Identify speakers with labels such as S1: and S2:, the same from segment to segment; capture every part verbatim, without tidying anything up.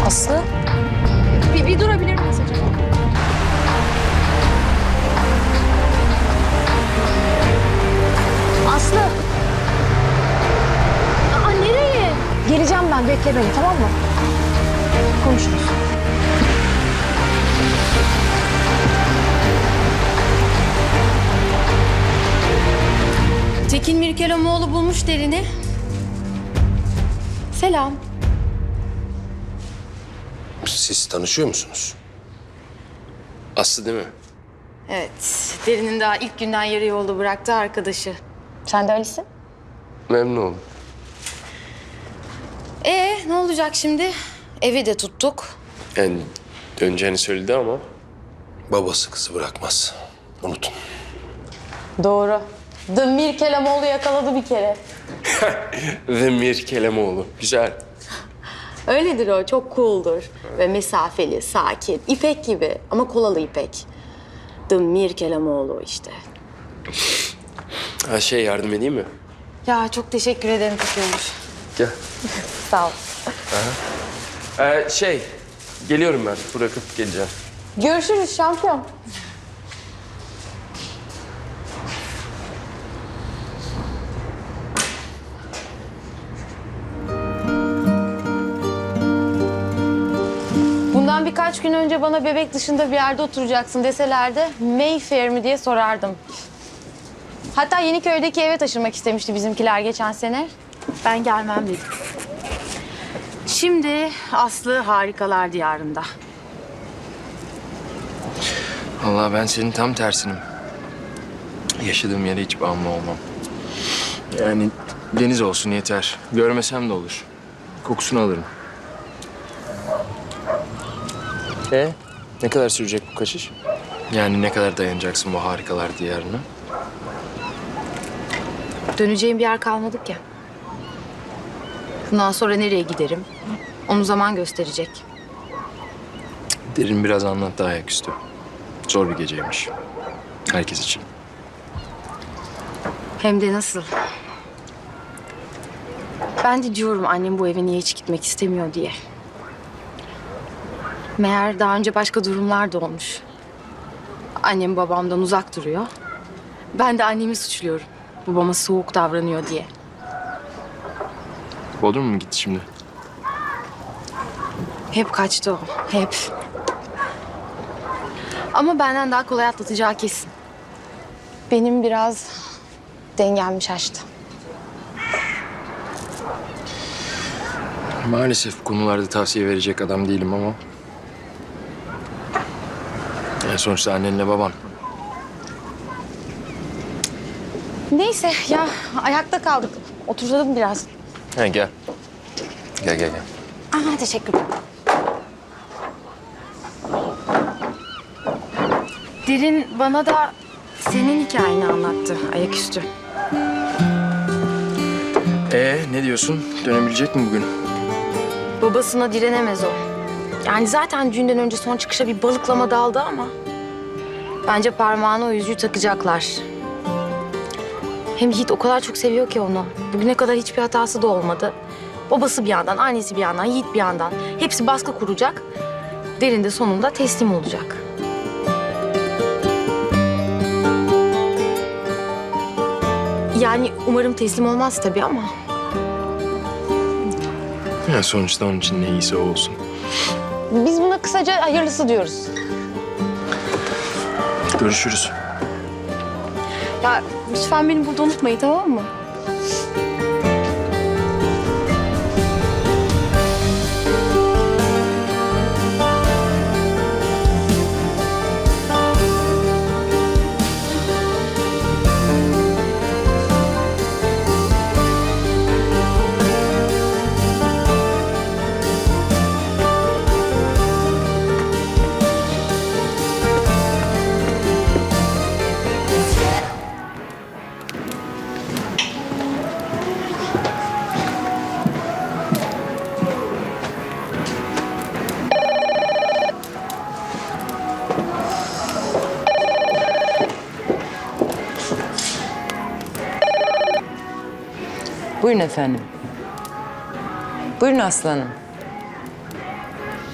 S1: Aslı?
S2: Bir, bir durabilir miyiz acaba? Aslı! Aa, nereye?
S1: Geleceğim ben, bekle beni, tamam mı? Konuşuruz.
S2: Tekin Mirkelamoğlu bulmuş Derin'i. Selam.
S3: Siz tanışıyor musunuz? Aslı değil mi?
S2: Evet, Derin'in daha ilk günden yarı yolda bıraktığı arkadaşı.
S1: Sen de Alice'in?
S3: Memnun oldum.
S2: Ee, ne olacak şimdi? Evi de tuttuk.
S3: Yani döneceğini söyledi ama... Babası kızı bırakmaz. Unutun.
S1: Doğru. The Mirkelamoğlu yakaladı bir kere.
S3: Ve Mirkelamoğlu. Güzel.
S2: Öyledir o, çok cool'dur. Ve mesafeli, sakin, İpek gibi ama kolalı İpek. The Mirkelamoğlu işte.
S3: Ha şey yardım edeyim mi?
S2: Ya çok teşekkür ederim Tutuyormuş.
S3: Gel.
S1: Sağ ol.
S3: Ee, şey, geliyorum ben. Bırakıp geleceğim.
S1: Görüşürüz şampiyon. Bundan birkaç gün önce bana bebek dışında bir yerde oturacaksın deselerdi Mayfair mi diye sorardım. Hatta Yeniköy'deki eve taşınmak istemişti bizimkiler geçen sene.
S2: Ben gelmem dedim. Şimdi Aslı harikalar diyarında.
S4: Vallahi ben senin tam tersinim. Yaşadığım yere hiç bağımlı olmam. Yani deniz olsun yeter. Görmesem de olur. Kokusunu alırım. E ne kadar sürecek bu kaçış? Yani ne kadar dayanacaksın bu harikalar diyarına?
S2: Döneceğim bir yer kalmadı ki. Bundan sonra nereye giderim? Onu zaman gösterecek.
S4: Derin biraz anlattı ayaküstü. Zor bir geceymiş. Herkes için.
S2: Hem de nasıl? Ben de diyorum annem bu eve niye hiç gitmek istemiyor diye. Meğer daha önce başka durumlar da olmuş. Annem babamdan uzak duruyor. Ben de annemi suçluyorum. Babama soğuk davranıyor diye.
S4: Bodrum mu gitti şimdi?
S2: Hep kaçtı o, hep. Ama benden daha kolay atlatacağı kesin.
S1: Benim biraz dengem şaştı.
S4: Maalesef konularda tavsiye verecek adam değilim ama... Yani sonuçta annenle baban.
S1: Neyse ya ayakta kaldık. Oturalım biraz.
S4: Ha gel. Gel gel gel.
S1: Aha teşekkürler.
S2: Derin bana da senin hikayeni anlattı ayaküstü.
S4: Ee ne diyorsun? Dönebilecek mi bugün?
S2: Babasına direnemez o. Yani zaten düğünden önce son çıkışa bir balıklama daldı ama... Bence parmağına o yüzüğü takacaklar. Hem Yiğit o kadar çok seviyor ki onu. Bugüne kadar hiçbir hatası da olmadı. Babası bir yandan, annesi bir yandan, Yiğit bir yandan. Hepsi baskı kuracak. Derin de sonunda teslim olacak. Yani umarım teslim olmaz tabii ama...
S4: Ya sonuçta onun için ne iyisi o olsun.
S1: Biz buna kısaca hayırlısı diyoruz.
S4: Görüşürüz.
S2: Ya lütfen beni burada unutmayın, tamam mı?
S5: Buyurun efendim. Buyurun aslanım.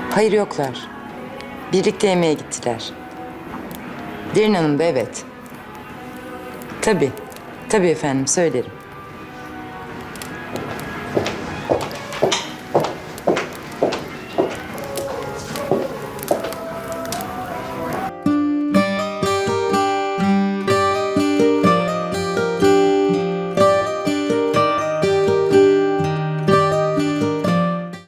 S5: Hayır yoklar. Birlikte yemeğe gittiler. Derin Hanım da evet. Tabii. Tabii efendim söylerim.